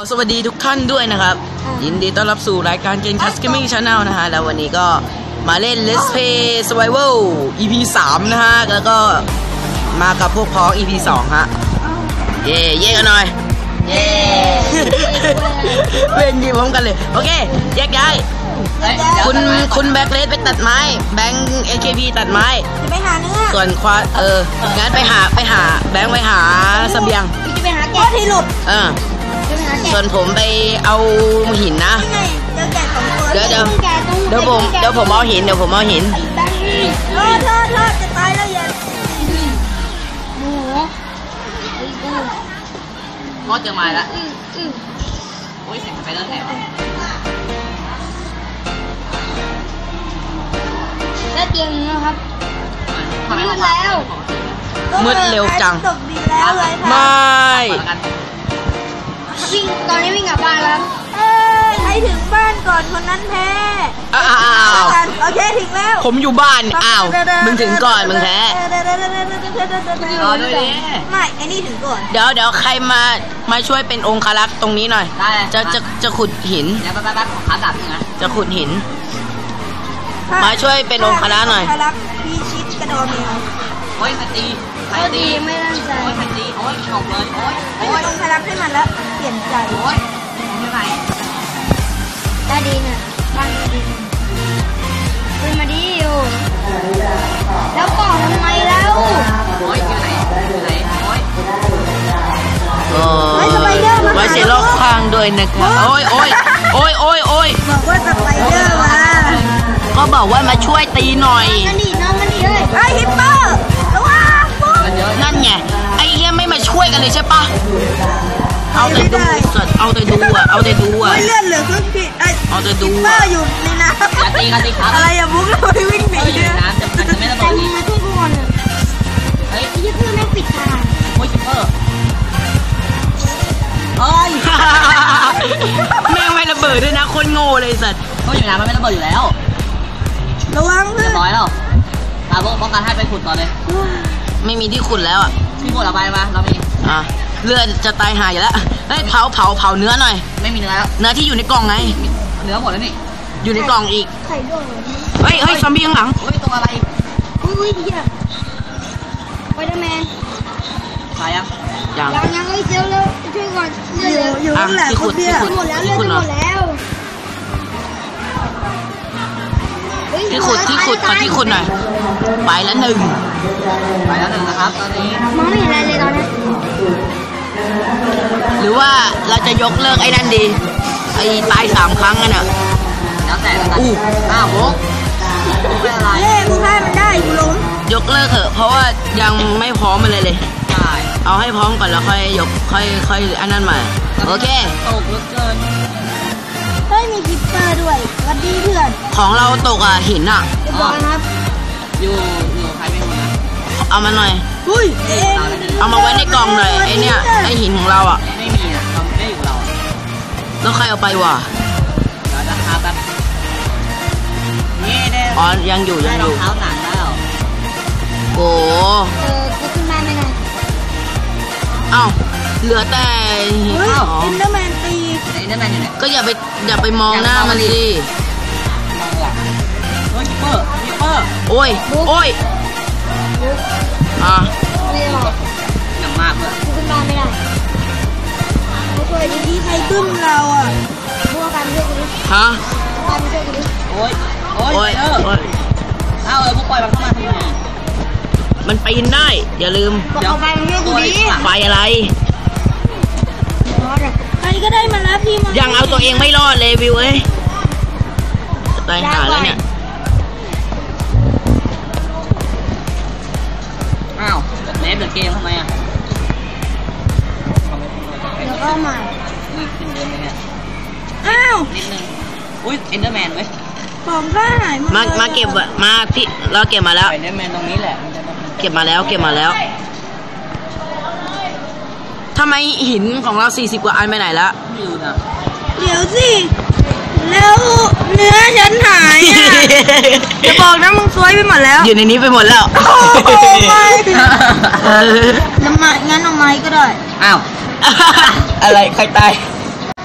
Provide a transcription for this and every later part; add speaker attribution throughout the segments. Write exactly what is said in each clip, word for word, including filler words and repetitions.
Speaker 1: สวัสดีทุกท่านด้วยนะครับยินดีต้อนรับสู่รายการเกม Cast Gaming Channel นะฮะแล้ววันนี้ก็มาเล่น Let's Play Survival อี พี สามนะฮะแล้วก็มากับพวกพ้อง อี พี สองฮะเย่เย่กันหน่อยเย่เล่นยิงพร้อมกันเลยโอเคแยกย้ายคุณคุณแบ็คเลสไปตัดไม้แบงค์ เอ เค พี ตัดไม้
Speaker 2: จะไปหาเนื้อ
Speaker 1: ส่วนควาเอองั้นไปหาไปหาแบงค์ไปหาเสบียง
Speaker 2: จะไปหาแกะที่หลุด
Speaker 1: เออส่วนผมไปเอาหินนะเดี๋ยวเดี๋ยวเดี๋ยวผมเดี๋ยวผมเอาหินเดี๋ยวผมเอาหิน
Speaker 2: รอดรอดรอดจะตายแล้วยัง
Speaker 3: หมู
Speaker 1: งอดจะมาละ
Speaker 3: โอ้ยเสียงไปแล้วแถวแล้วเตียงนะครับมืดแล้ว
Speaker 1: มืดเร็วจัง
Speaker 2: ตกดินแล้วเลย
Speaker 1: ไม่
Speaker 3: วิ่งตอนนี้วิ่งกลับบ้านแล้ว
Speaker 2: เอ้ยใครถึงบ้านก่อนคนนั้นแพ้
Speaker 1: อ้าว
Speaker 2: โอเคถึงแล้ว
Speaker 1: ผมอยู่บ้านอ้าวมึงถึงก่อนมึงแพ้
Speaker 3: รอด้วยดิ
Speaker 2: ไม่ไอ้นี่ถึงก่อน
Speaker 1: เดี๋ยวเดี๋ยวใครมามาช่วยเป็นองครักษ์ตรงนี้หน่อยจะจะจะขุดหิน
Speaker 3: เดี๋ยวแป๊บๆของขาดับนะ
Speaker 1: จะขุดหินมาช่วยเป็นองครักษ์หน่อย
Speaker 2: พี่ชิดกระโดดเมล
Speaker 3: โอ้ยสตีสตีไม่ตั้งใจโอ้ยสตีโอ้ยตกเลยโอ้ย
Speaker 2: โอ้ยองครักษ์ให้มันแล้วเปลี่ยนใจ
Speaker 3: โอ้ยไม่ไหวตาดีเนี่ยบ้านดีเป็นมาดีอยู่แล้วก่อนทำไมแล้วโอ้ยอยู่ไหนอยู่ไหนโอ้ย
Speaker 1: โอ้ยสไปเดอร์มาไว้เสียรอบข้างด้วยนะครับโอ้ยโอ้ยโอ้ยโอ้ยโอ้ย
Speaker 2: บอกว่าสไปเดอร์มา
Speaker 1: ก็บอกว่ามาช่วยตีหน่อย
Speaker 2: นั่นดิน้องมันดิเลยไอ้ฮิปเปอร์ระวัง
Speaker 1: นั่นไงไอ้เฮียไม่มาช่วยกันเลยใช่ปะเอาแต่ดูสัตว์เอาแต่ดูอ่ะเอาแต่ดูอ่ะ
Speaker 2: เลื่อนเหลือครึ่งที่ไอ้
Speaker 1: เอาแต่ดู
Speaker 2: อ่ะอยู่ในน้ำ
Speaker 3: กตีกันตีครับ
Speaker 2: อะไรอะบุ๊กเราไปวิ่งหนี
Speaker 3: เนี่ยน้ำจะมันจะไม่ระเบิดนี่
Speaker 2: มาที่ก่อน
Speaker 3: เฮ้ย
Speaker 2: ยี่เพื่อนแม่งปิดทาง
Speaker 3: โอ้ยคิปเปอร์เฮ้ย
Speaker 1: แม่งไม่ระเบิดด้วยนะคนโง่เลยสัตว์
Speaker 3: ก็อยู่น้ำมันไม่ระเบิดอยู่แล้ว
Speaker 2: ระวังเพื่อน
Speaker 3: ร้อยแล้วตาโบป้องกันให้ไปขุดก่อนเลย
Speaker 1: ไม่มีที่ขุดแล้วอ่ะ
Speaker 3: ที่ขุดเอาไปมาเรามี
Speaker 1: อ่ะเลือดจะตายหายอยู่แล้วเฮ้ยเผาเผาเผาเนื้อหน่อย
Speaker 3: ไม่มีเนื้อแล้ว
Speaker 1: เนื้อที่อยู่ในกล่องไง
Speaker 3: เนื้อหมดแล้วนี่
Speaker 1: อยู่ในกล่องอีก
Speaker 2: ไข่ด้วย
Speaker 1: เฮ้ยเฮ้ยซอมบี้ข้างหลัง
Speaker 3: เฮ้ยตัวอะไร
Speaker 2: อุ้ยอุ้ยเหี้ยไปเดอร์แมน
Speaker 3: ตายยัง
Speaker 1: ยัง
Speaker 2: ยังยังเฮ้ยเจ้าแล้วช่วยก่อนอยู่อยู่ข้างหลัง
Speaker 1: ที่ขุดที่ขุด
Speaker 2: หมดแล้วเลือดหมดแล้ว
Speaker 1: ที่ขุดที่ขุดขอที่ขุดหน่อยไปแล้วหนึ่ง
Speaker 3: ไปแล้วหนึ่งนะครับตอนนี้
Speaker 2: มองไม่เห็นอะไรเลยตอนนี้
Speaker 1: หรือว่าเราจะยกเลิกไอ้นั่นดีไอ้ตายสามครั้งกันอ่ะ
Speaker 3: แล้วแต่อู้อ้าวโหไม่อะไร
Speaker 2: เล่มึงให้มันได้กูล้ม
Speaker 1: ยกเลิกเถอะเพราะว่ายังไม่พร้อมอะไรเลย
Speaker 3: ใช่
Speaker 1: เอาให้พร้อมก่อนแล้วค่อยยกค่อยค่อยอันนั้นมาโอเค
Speaker 3: ตกเหลือเกิน
Speaker 2: เฮ้ยมีคิปเปอร์ด้วยสวัสดีเพื่อน
Speaker 1: ของเราตกอ่ะหินอ่ะ
Speaker 2: บอกครับ
Speaker 3: อยู่อยู่ใครเป็นคนนะ
Speaker 1: เอามาหน่อย
Speaker 2: อุ้ย
Speaker 1: เอามาไว้ในกล่องหน่อยไอเนี้ยไอหินของเราอ่ะ
Speaker 3: ไม่มีอ่ะเราไม่อยู่เรา
Speaker 1: แล้วใครเอาไปวะ
Speaker 3: เดี๋ยวจะหาแบบนี่เด้
Speaker 1: อ๋อยังอยู่ยังอยู่
Speaker 3: เท้าหนังแล้ว
Speaker 1: โอ้
Speaker 2: เออกูขึ้นมาไม่ได้
Speaker 1: เอ้าเหลือแต่
Speaker 2: หินอ๋ออินเดอร์แมนตี
Speaker 3: อินเดอร์แมนอยู่ไหน
Speaker 1: ก็อย่าไปอย่าไปมองหน้ามันสิ
Speaker 3: มองหลังเฮ้ยคิปเปอร์คิปเปอร์
Speaker 1: โอ้ยโอ้ยอ่ะ
Speaker 3: หนักมากเลย
Speaker 2: กูขึ้นมาไม่ได้ไม่เคยดีใครตึ้มเราอ่ะพวกกันช่วยกูดิ
Speaker 1: ฮะ
Speaker 2: กันช่วยกูดิ
Speaker 3: โอ้ยโอ้ยเออเอาเออพวกปล่อยมันเข้ามาทำไม
Speaker 1: มันปีนได้อย่าลืม
Speaker 2: บอกเอาไปมันช่วยกูดิ
Speaker 1: ไฟอะไร
Speaker 2: ใครก็ได้มาแล้วพี่มา
Speaker 1: ยังเอาตัวเองไม่รอดเลยวิวเอ้ยตายหาแล้วเนี่ย
Speaker 3: อ้าวเล่นเดือดเกมทำไมอ่ะ
Speaker 2: แล้วก็มา
Speaker 3: อุ้ยขึ้นเดินเลยเนี่ย
Speaker 2: อ้าว
Speaker 3: นิดนึงอุ้ยเอ็นเดอร์แมนเว้ย
Speaker 2: ผมก็หาย
Speaker 1: มามาเก็บมาพี่เราเก็บมาแล้ว
Speaker 3: เอ็นเดอร์แมนตรงนี้แหละ
Speaker 1: เก็บมาแล้วเก็บมาแล้วทำไมหินของเราสี่สิบกว่าอันไปไหนละ
Speaker 3: ไม่รู้นะ
Speaker 2: เดี๋ยวสิแล้วเนื้อฉันหายอ่ะจะบอกนะมึงซวยไปหมดแล้ว
Speaker 1: อยู่ในนี้ไปหมดแล้ว
Speaker 2: โอ้ไม่แล้วมางั้นเอาไม้ก็ได้
Speaker 3: อ้าว
Speaker 1: อะไรใครตาย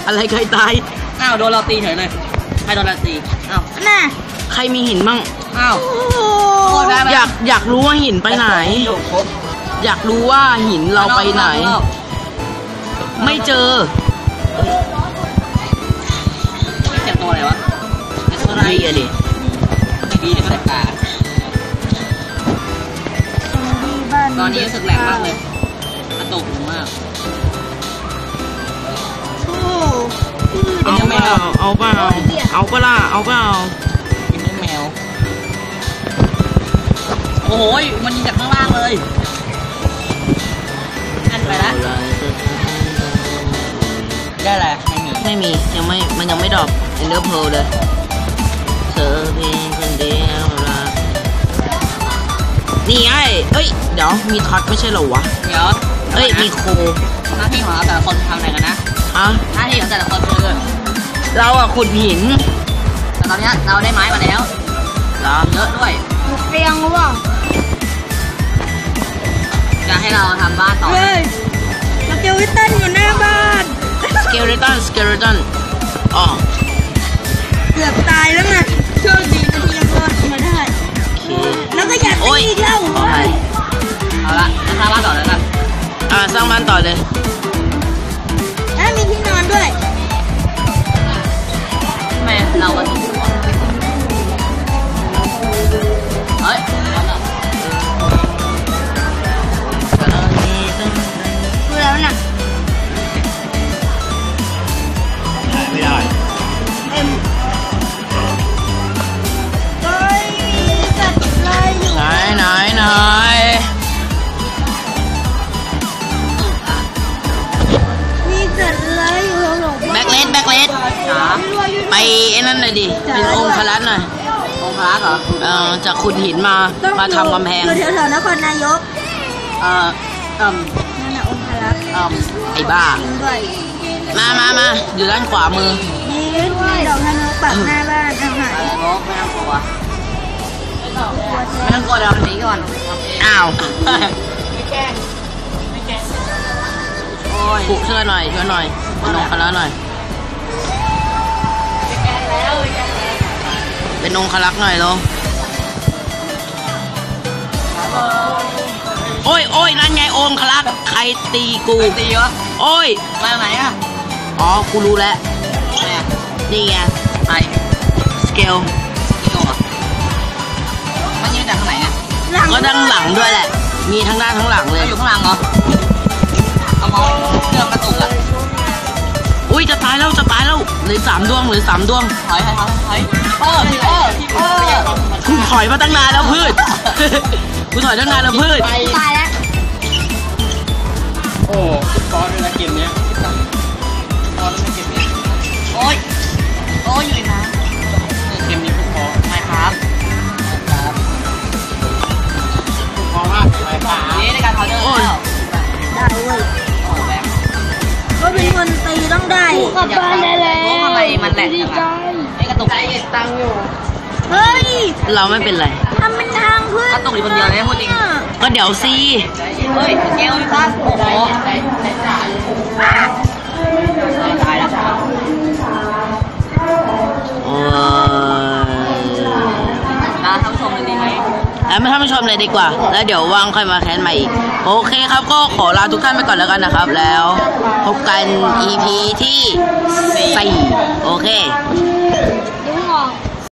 Speaker 1: อะไรใครตาย
Speaker 4: อ้าวโดนเราตีเฉยเลยใครโดนเราตีอ้าว
Speaker 2: น่ะ
Speaker 1: ใครมีหินบ้าง
Speaker 4: อ้าว
Speaker 2: โอ้โห
Speaker 4: โอ้ได้ไหม
Speaker 1: อยากอยากรู้ว่าหินไปไหน อยากรู้ว่าหินเราไปไหน ไม่เจอ
Speaker 4: เสียงตัวอะไรวะเสียงตัวอะไร
Speaker 1: ดีอะดิ
Speaker 4: ดีเดี๋ยวเสียงตา
Speaker 2: ดีบ้าน
Speaker 4: ตอนนี้รู้สึกแรงมากเลยกระตุกมาก
Speaker 2: โอ้
Speaker 1: เอาเปล่าเอาเปล่าเอาเปล่าเอาเปล่า
Speaker 4: กินลูกแมวโอ้โหมันยิงจากข้างล่างเลยอันไปละได้แหละไม่มี
Speaker 1: ไม่มียังไม่มันยังไม่ดรอปเอ็นเดอร์เพลเลยเธอเพียงคนเดียวรักนี่ไอ้เอ้ยเดี๋ยวมีท็อตไม่ใช่เหรอวะ
Speaker 4: เดี๋ยว
Speaker 1: เอ้ยมีโค
Speaker 4: หน้าที่ของเราแต่ละคนทำอะไรกันนะ
Speaker 1: ฮะ
Speaker 4: หน้าที่ของแต่ละคนคือ
Speaker 1: เราอะขุดหิน
Speaker 4: แต่ตอนเนี้ยเราได้ไม้มาแล้ว
Speaker 1: เหรอ
Speaker 4: เยอะด้วย
Speaker 2: เตียงหรือเปล่า
Speaker 4: จะให้เราทำบ้านต่อ
Speaker 2: เฮ้ยสเกลวิตันอยู่หน้าบ้าน
Speaker 1: สเกเลตันสเกเลตันอ๋อ
Speaker 2: เกือบตายแล้วไงโชคดีนะที่ยังรอดมาได้
Speaker 1: โอเค
Speaker 2: แล้วก็อยาก
Speaker 1: โอ้ย
Speaker 2: ตีอีกแล้ว
Speaker 1: ขอให้
Speaker 4: เอาละจะทำบ้านต่อแล้วกัน
Speaker 1: อ่าสร้างบ้านต่อเลย
Speaker 2: แล้วมีที่นอนด้วย
Speaker 4: ทำไมเราก็ถูกเฮ้ยเอาละ
Speaker 2: ดูแล้วน่ะ
Speaker 1: ไม่ได้
Speaker 2: เอ็มเฮ้ยมีสัตว์อะไรอยู่
Speaker 1: ไหนไหนไหน
Speaker 2: มีสัตว์อะไรอยู่หลง
Speaker 1: แบ็คเลสแบ็คเลส
Speaker 4: จ๋า
Speaker 1: ไปไอ้นั่นหน่อยดิเป็นองค์คลัสหน่อย
Speaker 4: องค์พระเหรอ
Speaker 1: เออจะขุดหินมา
Speaker 2: ต้อง
Speaker 1: มาทำกำแพง
Speaker 2: อยู่แถวๆนครนายก
Speaker 4: เอ่อเอ่ม
Speaker 2: นั่นน่ะองคลักษ์
Speaker 4: เอ่ม
Speaker 1: ไอ้บ้า
Speaker 2: จริงด้วย
Speaker 1: มามามาอยู่ด้านขวามือ
Speaker 2: นี่มีดอกธนูปักหน้าบ้านเอาหาย
Speaker 4: อะไรงกไม่ต้องกลัวไม่ต้องกลัวเดี๋ยวหนีก่อน
Speaker 1: อ้าว
Speaker 4: โอ้ย
Speaker 1: ปุช่วยหน่อยช่วยหน่อยเป็นองค์คลักหน่อย เป็นองค์คลักหน่อยลงโอ้ยโอ้ยนั่นไงองค์คลักใครตีกู
Speaker 4: ตีวะ
Speaker 1: โอ้ย
Speaker 4: มาไหนอ่ะ
Speaker 1: อ๋อกูรู้แล้ว
Speaker 4: แม่
Speaker 1: นี่ไง
Speaker 4: ไอ้
Speaker 1: สเกล
Speaker 4: กี่ตัวมันยืนจากข้างไหนเนี่ย
Speaker 2: หลัง
Speaker 1: ก็ด้านหลังด้วยแหละ มีทั้งด้านทั้งหลังเลย
Speaker 4: อยู่ข้างหลังเหรอเอามองเกือบกระตุกอ่ะ
Speaker 1: อุ้ยจะตายแล้วจะตายแล้วเหลือสามดวงเหลือสามดวง
Speaker 4: ถอยถอยถอยเออเออเออ
Speaker 1: กูถอยมาตั้งนานแล้วพืช กูถอยตั้งนานแล้วพืช
Speaker 2: ตายแล้ว
Speaker 4: โอ้ฟอสด้วยนะเกมเนี้ยฟอสด้วยเกมเนี้ยโอ้ยโอ้ยอยู่นะเกมนี้คือฟอสไม่ครับครับฟอสมากไม่ครับนี่ในการพาวเดอร์แล้ว
Speaker 2: ได้เว้ย
Speaker 4: โอ้แบงค์
Speaker 2: ก็เป็นคนตีต้องได้
Speaker 4: กลับบ้านได้แล้วทำไมมันแหลกจังอะไอ้กระตุกใจตังอยู่
Speaker 2: เฮ้ย
Speaker 1: เราไม่เป็นไร
Speaker 2: ทำเป็นทางขึ้น
Speaker 4: กระตุกอยู่คนเดียวเลยพูดจริง
Speaker 1: ก็เดี๋ยวซี
Speaker 4: เฮ้ยเกลพี่ฟ้าโอ้โหตายแล้ว
Speaker 1: โอ้ย
Speaker 4: ลาท่านผู้ชมเลยดีไหม
Speaker 1: แล้วไม่ท่านผู้ชมเลยดีกว่า แล้วเดี๋ยวว่างค่อยมาแคนใหม่อีก โอเคครับก็ขอลาทุกท่านไปก่อนแล้วกันนะครับ แล้วพบกัน อี พี ที่สี่โอเค